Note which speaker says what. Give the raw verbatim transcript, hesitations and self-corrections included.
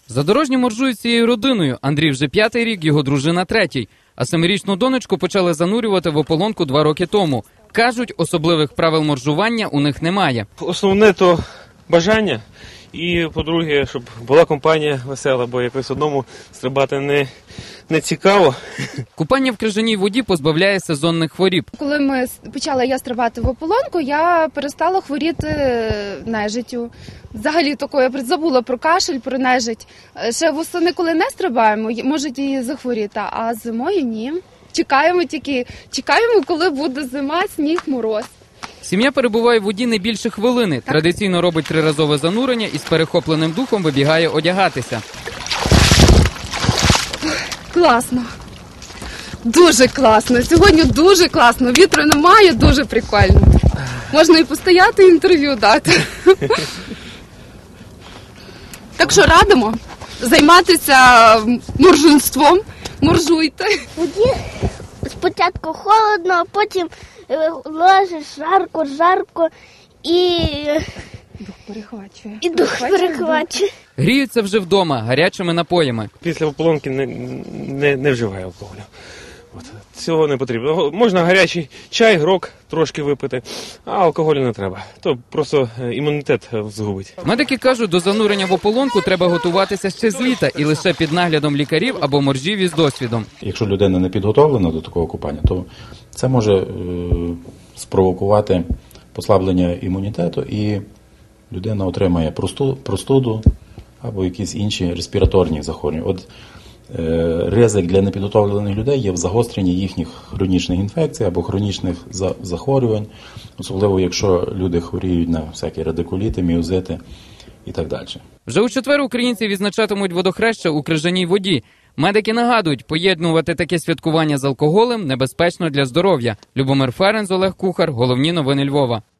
Speaker 1: Задорожні моржують цією родиною. Андрій вже п'ятий рік, його дружина третій. А семирічну донечку почали занурювати в ополонку два роки тому. Кажуть, особливих правил моржування у них немає.
Speaker 2: Основне – то бажання. І, по-друге, щоб була компанія весела, бо якось одному стрибати не, не цікаво.
Speaker 1: Купання в крижаній воді позбавляє сезонних хворіб.
Speaker 3: Коли ми почала я стрибати в ополонку, я перестала хворіти нежиттю. Взагалі такою, я забула про кашель, про нежить. Ще восени, коли не стрибаємо, можуть її захворіти, а зимою ні. Чекаємо тільки, чекаємо, коли буде зима, сніг, мороз.
Speaker 1: Сім'я перебуває в воді не більше хвилини. Так. Традиційно робить триразове занурення і з перехопленим духом вибігає одягатися.
Speaker 3: Класно. Дуже класно. Сьогодні дуже класно. Вітру немає, дуже прикольно. Можна і постояти, і інтерв'ю дати. Так що радимо займатися моржунством. Моржуйте.
Speaker 4: Воді спочатку холодно, а потім ложиш жарко, жарко і
Speaker 3: дух перехвачує.
Speaker 4: І дух перехвачує.
Speaker 1: Гріються вже вдома гарячими напоями.
Speaker 2: Після ополонки не, не, не вживає алкоголю. От. Цього не потрібно. Можна гарячий чай, грок трошки випити, а алкоголю не треба. То просто імунітет згубить.
Speaker 1: Медики кажуть, до занурення в ополонку треба готуватися ще з літа і лише під наглядом лікарів або моржів із досвідом.
Speaker 5: Якщо людина не підготовлена до такого купання, то це може е, спровокувати послаблення імунітету і людина отримає просту, простуду або якісь інші респіраторні захворювання. От е, ризик для непідготовлених людей є в загостренні їхніх хронічних інфекцій або хронічних за, захворювань, особливо якщо люди хворіють на всякі радикуліти, міозити і так далі.
Speaker 1: Вже у четвер українці відзначатимуть водохреща у крижаній воді. Медики нагадують, поєднувати таке святкування з алкоголем небезпечно для здоров'я. Любомир Ференц, Олег Кухар. Головні новини Львова.